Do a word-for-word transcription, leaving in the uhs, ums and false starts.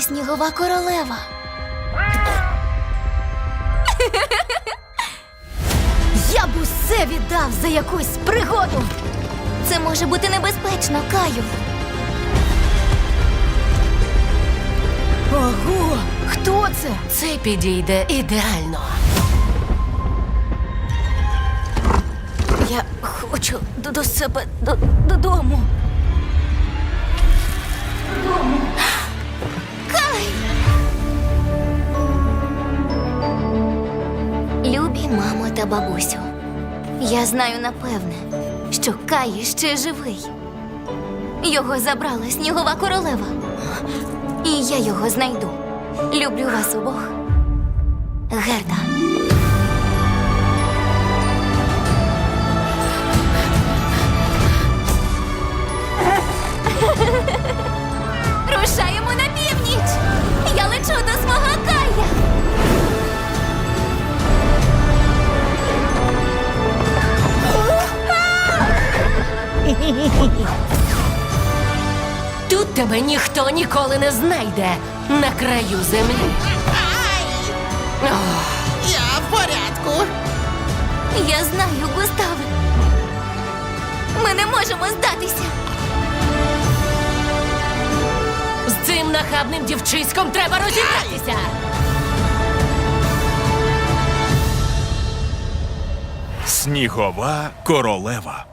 снігова королева. Я б усе віддав за якусь пригоду. Це може бути небезпечно, Каю. Ого! Хто це? Це підійде ідеально. Я хочу до, до себе до, додому. Додому. Кай! Любі мамо та бабусю, я знаю напевне, що Кай ще живий. Його забрала снігова королева. І я його знайду. Люблю вас обох. Герда. Рушаємо на північ! Я лечу до свого Кая! Тут тебе ніхто ніколи не знайде на краю землі. Ох, Я в порядку. Я знаю, Густаве. Ми не можемо здатися. з цим нахабним дівчиськом треба розібратися. Снігова королева.